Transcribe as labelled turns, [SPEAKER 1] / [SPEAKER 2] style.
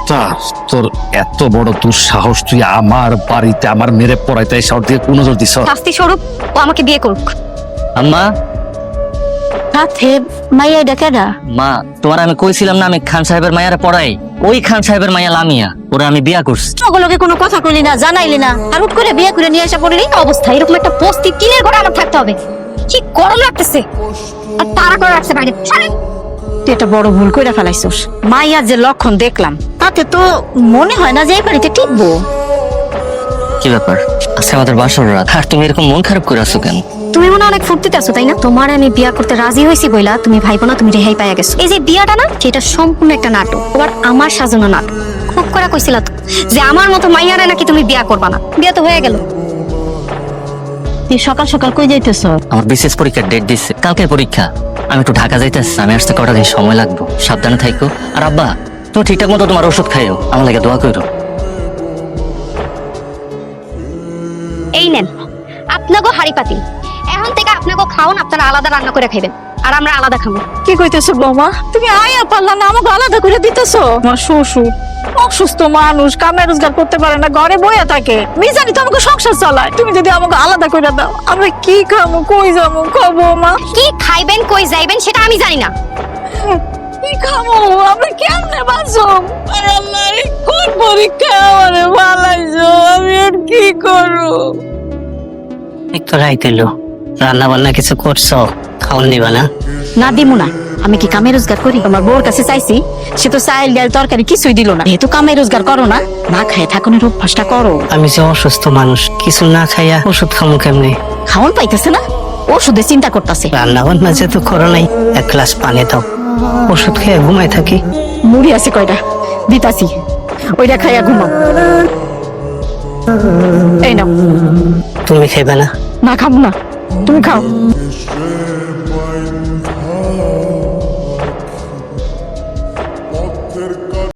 [SPEAKER 1] তা তোর এত বড় দুঃসাহস, তুই আমার বাড়িতে আমার মেরে পড়াইতে শহর দিয়ে কোন নজর দিছ?
[SPEAKER 2] শাস্তি স্বরূপ ও আমাকে বিয়ে করুক।
[SPEAKER 3] আম্মা,
[SPEAKER 2] সাথে মাইয়া ডাকেরা
[SPEAKER 3] মা তোমার আমি কইছিলাম না আমি খান সাহেবের মায়ারে পড়াই, ওই খান সাহেবের মায়া লামিয়া, ওরা আমি বিয়া করছি।
[SPEAKER 2] ওগুলোকে কোনো কথা কইলি না, জানাইলি না, আর হুট করে বিয়ে করে নিয়ে আসা পড়লি অবস্থা। এরকম একটা বস্তি টিনের ঘরে আমার থাকতে হবে, কি গরম লাগতেছে। আর তারা করে রাখছে বাইরে। তুই একটা বড় ভুল কইরা ফেলাইছস। মাইয়ার যে লক্ষণ দেখলাম তাতে তো মনে হয় না যে এই বাড়িতে টিকবো।
[SPEAKER 3] কি ব্যাপার, আজকে আমাদের বাসর রাত, আর তুমি এরকম মন খারাপ করে আছো কেন?
[SPEAKER 2] তুমি মনে হয় অনেক ফুর্তিতে আছো তাই না? তোমার আমি বিয়া করতে রাজি হয়েছি বইলা তুমি ভাইবো না তুমি রেহাই পাইয়া গেছো। এই যে বিয়াটা না, সেটা সম্পূর্ণ একটা নাটক, আবার আমার সাজানো নাটক। খুব করে কইছিল তো যে আমার মতো মাইয়ারে নাকি তুমি বিয়া করবা না। বিয়া তো হয়ে গেল। তুই সকাল সকাল কই যাইতেছ?
[SPEAKER 3] আমার বিশেষ পরীক্ষার ডেট দিচ্ছে, কালকে পরীক্ষা। আমি একটু ঢাকা যাইতেছি, আমি আসতে কটা দিন সময় লাগবে, সাবধানে থাইকো। আর আব্বা, তুমি ঠিকঠাক মতো তোমার ওষুধ খাইও, আমার লাগে দোয়া করো।
[SPEAKER 2] এই নেন আপনাগো হাড়ি পাতিল, এখন থেকে আপনাগো খাওন আপনারা আলাদা রান্না করে খাইবেন, আর আমরা আলাদা খাবো।
[SPEAKER 4] কি কইতেছো বৌমা? তুমি আয়া পারলা না, আমাকে আলাদা করে দিতেছো? আমার শ্বশুর অসুস্থ মানুষ, কামে রোজগার করতে পারে না, ঘরে বইয়া থাকে। মিজানি তো আমাকে সংসার চালায়, তুমি যদি আমাকে আলাদা করে দাও আমরা কি খাবো, কই যাবো? খাবো মা,
[SPEAKER 2] কি খাইবেন কই যাইবেন সেটা আমি জানি না।
[SPEAKER 4] কি খাবো? আমরা কেমনে বাঁচো? আরে আল্লাহ, এই কোন পরীক্ষা আমারে ভালাইছো, আমি আর কি করবো?
[SPEAKER 3] একটু রাইত এলো, রান্না বান্না কিছু করছো, খাওয়ান দিবা না?
[SPEAKER 2] না দিমু না, আমি কি কামে রোজগার করি? আমার বউর কাছে চাইছি, সে তো চাইল ডাল তরকারি কিছুই দিল না। যেহেতু কামে রোজগার করো না, না খায় থাকুনের অভ্যাসটা করো।
[SPEAKER 3] আমি যে অসুস্থ মানুষ, কিছু না খাইয়া ওষুধ খামু কেমনে?
[SPEAKER 2] খাওন পাইতেছে না, ওষুধে চিন্তা করতেছে।
[SPEAKER 3] রান্না বান্না যেহেতু করো নাই, এক গ্লাস পানি দাও, ওষুধ খেয়ে ঘুমাই থাকি।
[SPEAKER 2] মুড়ি আছে কয়টা, দিতাছি, ওইটা খাইয়া ঘুমাও। এই নাও।
[SPEAKER 3] তুমি খাইবে না?
[SPEAKER 2] না খাবো না, তুমি খাও।